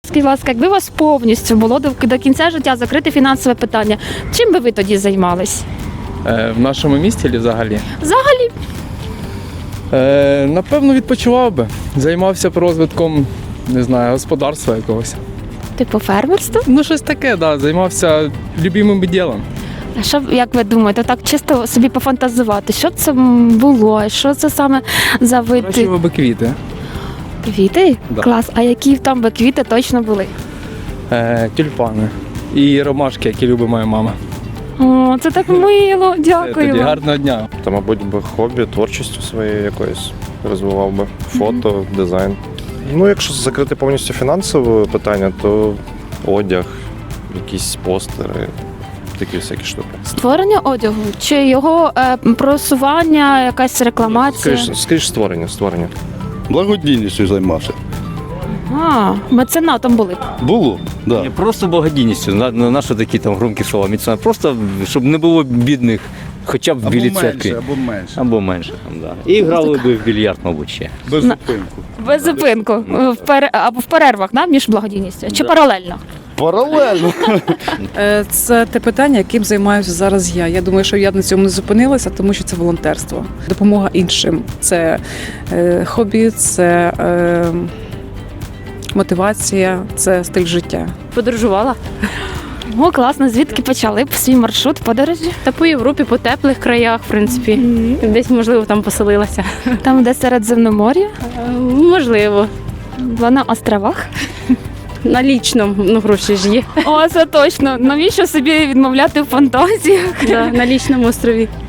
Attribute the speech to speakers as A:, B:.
A: Скажіть, будь ласка, якби у вас повністю було до кінця життя закрите фінансове питання, чим би ви тоді займались?
B: В нашому місті чи взагалі?
A: Взагалі,
B: Напевно, відпочивав би. Займався б розвитком, не знаю, господарства якогось.
A: типу фермерство?
B: Ну, щось таке, да. Займався любимим ділом.
A: А що, як ви думаєте, так чисто собі пофантазувати, що це було, що це саме за вид
B: Вирощував би квіти.
A: квіти?
B: Да.
A: Клас, а які там би квіти точно були?
B: Тюльпани. І ромашки, які любить моя мама.
A: О, це так мило, дякую
B: Тоді
A: вам.
B: гарного дня.
C: Та, мабуть, би хобі, творчістю своєю якоюсь розвивав би. Фото, дизайн. Ну, якщо закрити повністю фінансове питання, то одяг, якісь постери, такі всякі штуки.
A: Створення одягу чи його просування, якась рекламація?
C: Скоріш створення.
D: Благодійністю займався.
A: А, меценатом були.
D: Було, да.
E: Не просто благодійністю, на що такі там громкі слова міцна, просто щоб не було бідних, хоча б білі церкви.
D: або менше.
E: Або менше там, да. І грали би в більярд, мабуть, ще.
D: Без зупинку.
A: Без зупинку. Або в перервах, да, між благодійністю? Чи паралельно?
D: Паралельно.
F: Це те питання, яким займаюся зараз я. Я думаю, що я на цьому не зупинилася, тому що це волонтерство. Допомога іншим. Це хобі, це мотивація, це стиль життя.
A: Подорожувала? О, класно. Звідки почали б свій маршрут подорожі?
G: Та по Європі, по теплих краях, в принципі. Десь, можливо, там поселилася.
A: Там, де Середземномор'я,
G: Можливо.
A: була на островах.
G: На лічному, ну гроші ж є.
A: О, це точно. Навіщо собі відмовляти в фантазіях?
G: Да, на лічному острові.